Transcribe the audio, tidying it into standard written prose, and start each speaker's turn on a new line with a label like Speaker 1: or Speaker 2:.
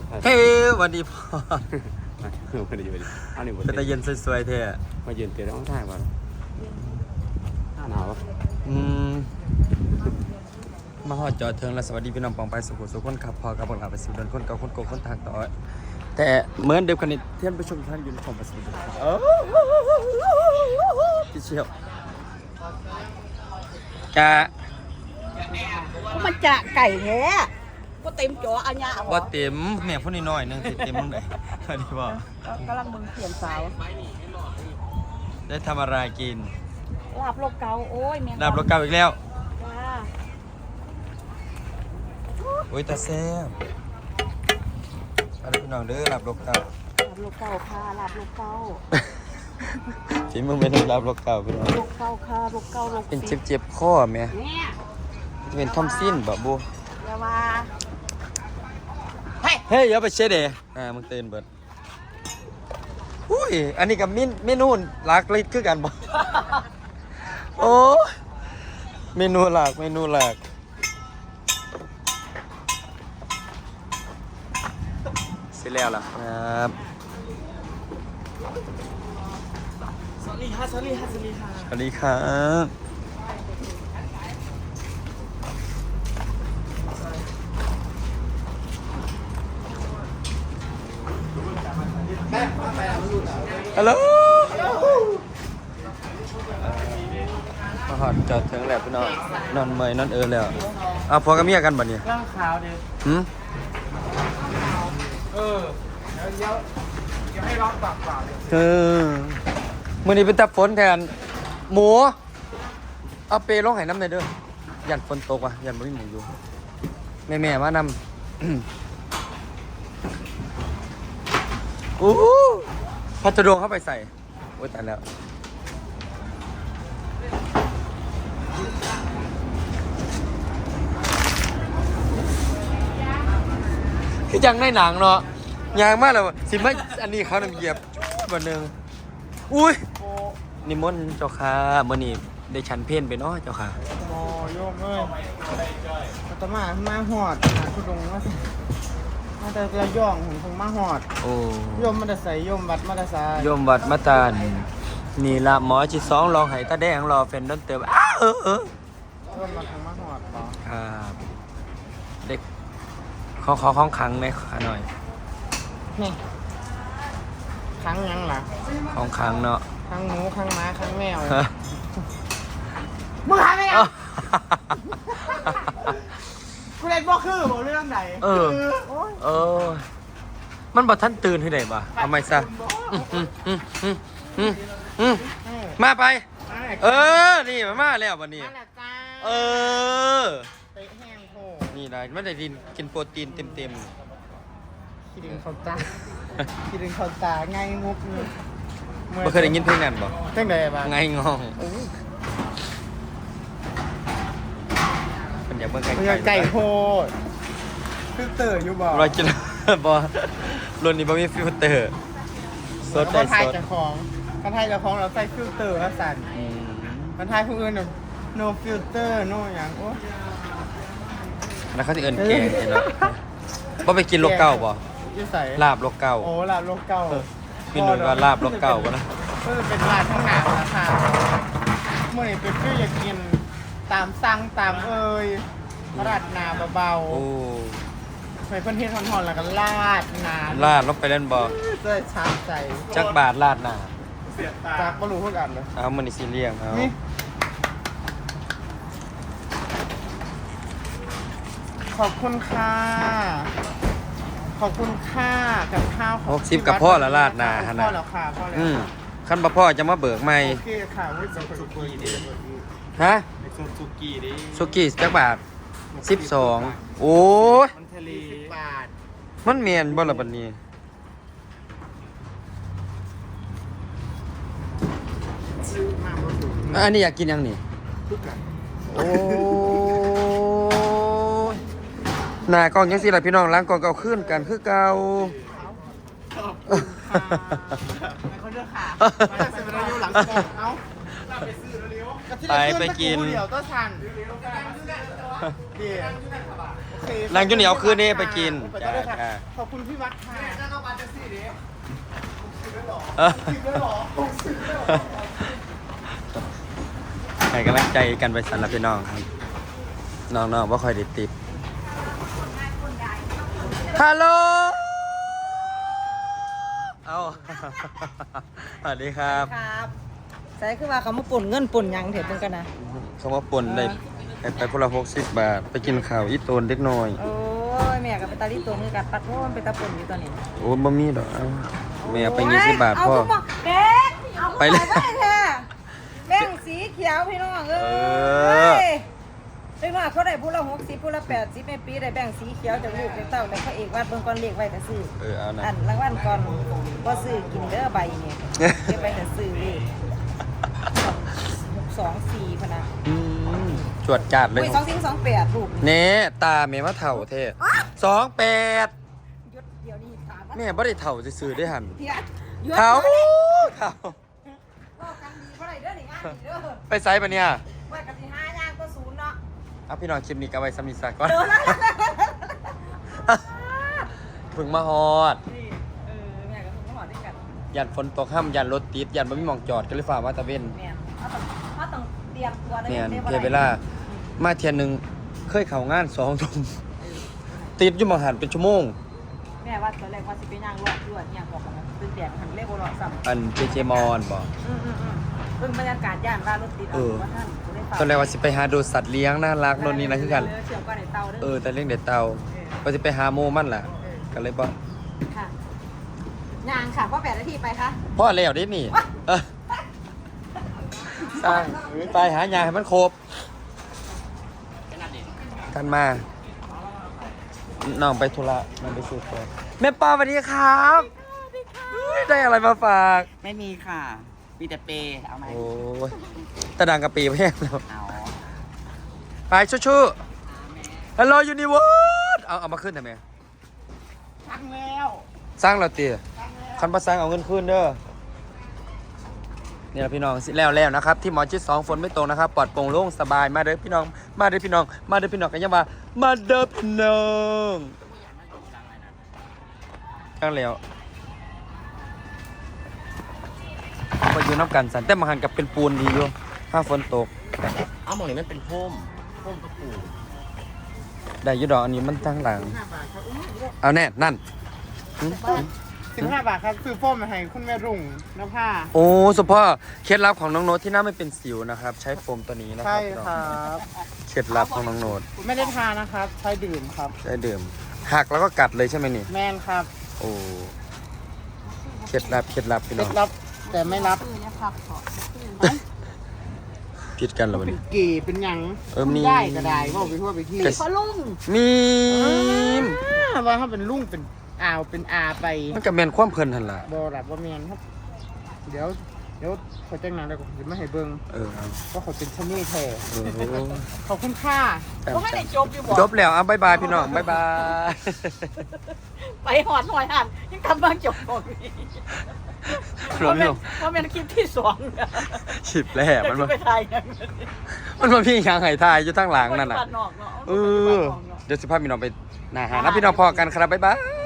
Speaker 1: เฮ้ยวันดีพ่อ
Speaker 2: วันดีอันนี้
Speaker 1: เป็นตะเย็นสวยๆเท่
Speaker 2: มาเย็นเตะร้องไห้ก่อนหนาว
Speaker 1: มาหอดจอดเทิงและสวัสดีพี่น้องปองไปสุขุสุขคนขับพอกับบังอาจไปสู่เดินคนเก่าคนโกคนทางต่อแต่เหมือนเดิมกันนี้ท่านผู้ชมท่านอยู่ในช่องประสิทธิ์พี่เชี่ยวกะ
Speaker 3: มันจะไก่แท้ก็เต็มจ่ออันยา
Speaker 1: ว่าเต็มแม่พูดน้อยนึงสิเต็มตรงไหนอันนี้บอก
Speaker 3: กำลังมึงเขียนสาว
Speaker 1: ได้ทำอะไรกิน
Speaker 3: ลาบโลกเกาโอ้ยแม่
Speaker 1: ลาบรถเก่าอีกแล้ว
Speaker 3: จ้า
Speaker 1: โอ้ยตาแซ่บอันนี้พี่น้องเด้อลาบรถเก่า
Speaker 3: ลาบโลกเกาค่ะลาบโลกเกา
Speaker 1: จิมึงเป็นลาบรถเก่าพี่น้อง
Speaker 3: โลกเกาค่ะโลกเกาโลก
Speaker 1: เป็นเจ็บข้อแม่
Speaker 3: เนี่ย
Speaker 1: เป็นทอมซินบ่บู
Speaker 3: อย่าว่า
Speaker 1: เฮ้ยอย่าไปเช็ดเด้มึงตื่นเบิดอุ้ยอันนี้กับเมนูหลากเลยคือกันบ่ โอ้เมนูหลากเสร็จแล้วล่ะครับ
Speaker 3: สวัสดีค่ะ
Speaker 1: สวัสดีครับฮัลโหลมาหอดจอดถึงแล้วพี่น้องนอนเมยนอนแล้วเอาพอกับเมียกันบ่เนี่ย
Speaker 3: ร่างขาวดิ
Speaker 1: หืม
Speaker 3: ยังให้ร้องปากเปล่าเลย
Speaker 1: มื้อนี้เป็นตาฝนแทนหมูเอาเปลงให้น้ำหน่อยเด้อยันฝนตกว่ะยันบ่มีหมูอยู่แม่มานำ อู้พัดดวงเข้าไปใส่โอ้ยตายแล้วคือยังในหนังเนาะยางมากเลยสิไม่อันนี้เขานำเหยียบวันหนึ่งอุ้ยนิมนต์เจ้าค่ะมื่อนี้ได้ฉันเพ่นไปเนาะเจ้าค่ะ
Speaker 3: โมโยมเอ้ยอาตมาหอดหาคุณลุงมาแต่ระย่องผมคงมาหอด
Speaker 1: โอ้
Speaker 3: โยมมาแต่ใส่โยมวัดมาแต่ใส่
Speaker 1: โยมวัดมาตานนี่ละหมอจิตสองลองไห้ตาแดงรอแฟนดนเติมอ้าว
Speaker 3: โยมมาคงมาหอดต่อ
Speaker 1: ครับเด็กขอของขังไหมขอหน่อย
Speaker 3: นี่ครั้งยังล่ะ
Speaker 1: ของขังเนาะ
Speaker 3: ครั้งหมูครั้งม้าครั้งแมวมึงหายไปไหนกูเล่นบ่คือบอกเรื่องไหน
Speaker 1: เออมันบอกท่านตื่นให้ได้ป่ะทำไมซะมาไปนี่มาแล้ววันนี้
Speaker 3: เตะแห้งโผ
Speaker 1: นี่ได้ไม่ได้กินโปรตีนเต็ม
Speaker 3: คิดถึงเขาตาคิดถึงเขาตาไงมุกนี่
Speaker 1: เคยได้ยินเพลงนั้นบ่
Speaker 3: เพลงใดบ้าง
Speaker 1: ไงงองมันอยากเบิ่ง
Speaker 3: ไก่โพดฟิลเตอร์อยู่บ่
Speaker 1: รอยกินบ่รุ่นนี้บ่มีฟิลเตอร์สดได้สด
Speaker 3: กันไทยจะของเราใส่ฟิลเตอร์แล้วสั่นกันไทยผู้อื่นno filter no อย่างโอ้
Speaker 1: แล้วเขาสิเอิ้นแกงเนาะบ่ไปกินโลกเก่าบ่ลาบโลกเก่า
Speaker 3: โอ้ลาบโลกเก่า
Speaker 1: มีหนุ่มว่าลาบโลกเก่าบ่นะ
Speaker 3: ก็จะเป็นร้านข้างหน้าราคาเมื่อไหร่เป็นฟิลอยากกินตามสั่งตามราดนาเบาๆ
Speaker 1: โอ้
Speaker 3: ไปเพิ่นเฮ็ดทอนๆแล้วก็ลาดนา
Speaker 1: ลาดลงไปเล่นบ่
Speaker 3: จะชามใจ
Speaker 1: จักบาทลาดหน้า
Speaker 3: จากบ่รู้เท่ากันเลย
Speaker 1: เอามื้อนี้สิเลี้ยงเอา
Speaker 3: ขอบคุณค่ะขอบคุณค่ะกับข้าว
Speaker 1: 60กับพ่อละลาดหน้าหั่นน่ะ
Speaker 3: พ่อแล้วค่ะพ่อแล้ว
Speaker 1: คันบ่พ่อจะมาเบิกใหม่
Speaker 3: โอเคค่ะวิสุกี้ดิ
Speaker 1: ฮะ
Speaker 3: สุกี้ดิ
Speaker 1: สุกี้จักบาท12โอ้ย
Speaker 3: มันทะเล10 บาท
Speaker 1: มันแม่นบ่ล่ะบัดนี้อันนี้อยากกินยังนี่โอ้ยหน้ากล้องยังสิล่ะพี่น้องล้างกล้องเก่าขึ้นกันคือเก่า
Speaker 3: เขาเลือกขาไปเร็วหลังกล้องเอ้า
Speaker 1: ไปกิน
Speaker 3: เดี๋ยวก็ทันเดี๋ยวโอเค
Speaker 1: นางจุเหนียวคืนนี้ไปกิน
Speaker 3: ไปก็ได้ค่ะ
Speaker 1: จ้า
Speaker 3: ขอบคุณพี่วัดค่ะจะเข้ามาจะซี่ดิ
Speaker 1: ให้กำลังใจกันไปสำหรับพี่น้องครับน้องๆว่าคอยได้ติดฮัลโหลเอา สวัสดีครับ
Speaker 4: ครับใส่คือว่าเขามาปุ่นเงินปุ่นหยังเถิดเพิ่นกันนะ
Speaker 1: เขามาป่นได้ไปคนละ60 บาท ไปกินข้าวอีโตนเล็กน้อย
Speaker 4: โอ้ยแม่กับไปตาลีตัวมือกับปัดโทษไปตาปุ่นอยู่ตอนนี้
Speaker 1: โอ้บ่มีดอกเอาแม่เอาไป20 บาทพ่อ
Speaker 4: เด็กเอา
Speaker 1: ไปเลย
Speaker 4: แท้แบ่งสีเขียวพี่น้องเอ้ยเล็กน้อยเขาได้ผู้ละ60ผู้ละ80ในปีได้แบ่งสีเขียวจากลูกจากเต้าแล้วเขาเอกวาดเบิ่งก่อนเลขไว้แต่ซื้อ
Speaker 1: เอานะ
Speaker 4: อันรางวัลก่อนบ่ซื้อกินเด้อใบนี่เก็บไว้แต่ซื้อเลข624พะนะ
Speaker 1: อืมจวดจาดเลย
Speaker 4: อุ้ย2428ลูก
Speaker 1: เน่ตาแม่ว่าเถ่าเท่28
Speaker 4: หยุดเดี๋ยวนี้ถามว่า
Speaker 1: แม่บ่ได้เถ่าซื่อๆได้หัน
Speaker 4: เดี๋ยวหยุด
Speaker 1: เถ่า
Speaker 4: เดี๋ยวนี้
Speaker 1: เถ่า
Speaker 4: บอกกันดีเพราะอะไรเด้อนี่งานนี่เด้อ
Speaker 1: ไปไซส์ปะเนี่ย
Speaker 4: ว่ากันที่5ย่างก็0เนาะ
Speaker 1: เอาพี่น้องคลิปนี้ก็ไว้สมิสาก่อน
Speaker 4: เด้อละ
Speaker 1: ถึงมาฮอด
Speaker 4: นี่แม่กับคุณก็หอด้วยกัน
Speaker 1: ยันฝนตกห้ามยันรถติดยันบ่มีหมองจอดก็เลยฝ่ามาตะเวน
Speaker 4: แม่เขาต้องเตรียมตัวได้
Speaker 1: เนี่ย
Speaker 4: ได้บ่
Speaker 1: เทียเวลามาเทียนหนึงเคยเข้างาน2 ทุ่มติดอยู่หมองหันเป็นชั่วโมง
Speaker 4: แม่ว่าตอนแรกว่าสิไปย่างรอดด้วยย่างบอกกันตื่นแดดหันเลขบ่รอซ้ำ
Speaker 1: อันเจมอนบ่
Speaker 4: เพิ่งบรรยากาศย่านว่ารถติดว่าท่านได้ฝาก
Speaker 1: ตอนแรกว่าสิไปหาดูสัตว์เลี้ยงน่ารักโน่นนี่นะคือกัน
Speaker 4: เชื่อมก่อนในเตาเด้อ
Speaker 1: แต่เลี้ยงเด็ดเตาว่าสิไปหาโมมันล่ะก็เลยบ่
Speaker 4: ค่ะย่างค่ะเพราะ8 นาทีไปค่ะ
Speaker 1: พ่อแล้วได้นี่เออสร้างไปหายาให้มันครบกันมาน้องไปธุระน้องไปซื้อของแม่ปอสวัสดีครับได้อะไรมาฝาก
Speaker 2: ไม่มีค่ะ มีแต่เปย์เอาไหม
Speaker 1: โอ้ยตะดังกะปีแพงแล้ว
Speaker 2: เอา
Speaker 1: ไปชู้ๆฮัลโหลยูนิเวิร์สเอามาขึ้นทำไม
Speaker 3: ทักแล้ว
Speaker 1: สร้างเราเตี๋ยคันประสร้างเอาเงินคืนเด้อนี่แหละพี่น้องสิแล้วนะครับที่หมอชิด2ฝนไม่ตกนะครับปลอดโปร่งโล่งสบายมาเด้อพี่น้องมาเด้อพี่น้องมาเด้อพี่น้องกันยังว่ามาเด้อพี่น้องข้างแล้วพออยู่น้ำกันสันแต่มาหันกับเป็นปูนดีอยู่ถ้าฝนตก
Speaker 2: เอาหมองนี้มันเป็นพุ่มกระปู
Speaker 1: ได้อยุดอกอันนี้มันตั้งหลัง
Speaker 3: 5 บาทครับ
Speaker 1: เอาแน่นั่นหึ
Speaker 3: 15 บาทครับซื้อโฟมมาให้คุณแม่รุ่งน้ำผ้า
Speaker 1: โอ้สุพ่อเคล็ดลับของน้องโน้ตที่หน้าไม่เป็นสิวนะครับ ใช้โฟมตัวนี้นะค
Speaker 3: ใช่
Speaker 1: รับ
Speaker 3: ครับ
Speaker 1: เคล็ดลับของน้องโน้ต
Speaker 3: ไม่ได้ทานนะครับ ใช้ดื่มครับ
Speaker 1: ได้ดื่มหักแล้วก็กัดเลยใช่ไหมนี่
Speaker 3: แมนครับ
Speaker 1: โอ้เคล็ดลับพี่
Speaker 3: เค
Speaker 1: น้
Speaker 3: ล็
Speaker 1: อง
Speaker 3: ดลับแต่ไม่รับ
Speaker 1: ผิดกันเหรอวัน
Speaker 3: เป็น
Speaker 1: นี้
Speaker 3: เก๋เป็นหยัง
Speaker 1: มี
Speaker 3: ได้ก็ได้ว่าไปทั่วไปที่
Speaker 4: พอลุง
Speaker 1: มีม
Speaker 3: ว่าถ้าเป็นลุงเป็นอ่าวเป็นอาไป
Speaker 1: มันกับแมนความเพลินทันล่ะ
Speaker 3: บอรับว่าแมนครับ เดี๋ยวเขาแจ้งนานแล้วก็จะไม่ให้เบิ้ง
Speaker 1: เออเอา
Speaker 3: ว่าเขาเป็นชะนีแท้
Speaker 1: เออ
Speaker 3: ขอบคุณค่า
Speaker 4: บ่ให้ได้จบอยู่บ่
Speaker 1: จบแล้วอ่ะบายบายพี่น้องบายบาย
Speaker 4: ไปหอดหน่อยหันยังกำลังจบบ่มี
Speaker 1: พี่น้องพี่น้อง
Speaker 4: ว่าเป็นคลิปที่2
Speaker 1: ฉิบแหล่มัน
Speaker 4: มั
Speaker 1: มา
Speaker 4: ไปถ่ายยัง
Speaker 1: มันมาพี่ยางไห้ทายอยู่ทั้งหลังนั่นน่ะ
Speaker 4: บ้านนอกเนาะ
Speaker 1: เออเดี๋ยวสิพาพี่น้องไปหนาหานะพี่น้องพอกันครับบ๊ายบาย